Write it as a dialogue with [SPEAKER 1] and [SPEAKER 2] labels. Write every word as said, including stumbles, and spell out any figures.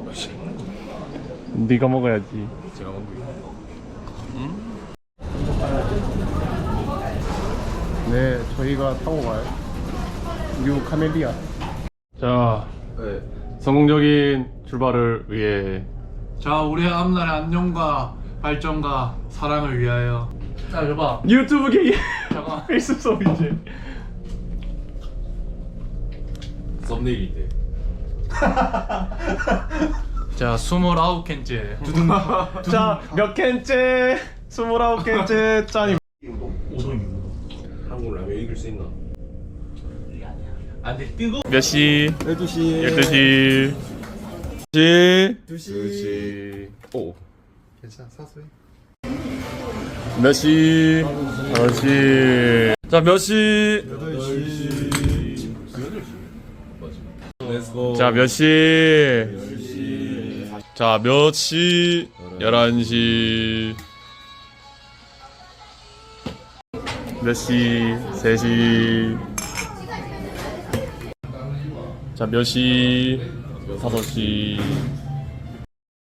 [SPEAKER 1] 네가 먹어야지.
[SPEAKER 2] 제가 먹고
[SPEAKER 1] 네, 저희가 타고 가요. 뉴 카멜리아. 자,
[SPEAKER 2] 네.
[SPEAKER 1] 성공적인 출발을 위해
[SPEAKER 3] 자, 우리의 앞날의 안녕과 발전과 사랑을 위하여. 자, 줘봐.
[SPEAKER 1] 유튜브 게임
[SPEAKER 3] 잠깐.
[SPEAKER 1] 필수 수업 이제.
[SPEAKER 2] 썸네일인데.
[SPEAKER 3] 자, 스물아홉 캔째. 두둥.
[SPEAKER 1] 자, 몇 캔째? 스물아홉 캔째 짠이.
[SPEAKER 2] 한국 라면 이길 수 있나?
[SPEAKER 3] 안 돼, 뜨거.
[SPEAKER 1] 몇 시?
[SPEAKER 2] 열두 시.
[SPEAKER 1] 열두 시. 시.
[SPEAKER 2] 두 시.
[SPEAKER 1] 오.
[SPEAKER 2] 괜찮아, 사소해.
[SPEAKER 1] 몇 시? 다섯 시. 자, 몇 시?
[SPEAKER 2] 여덟 시. 맞아. 렛츠고.
[SPEAKER 1] 자, 몇 시? 자, 몇 시? 열한 시. 몇 시? 세 시. 자, 몇 시? 다섯 시.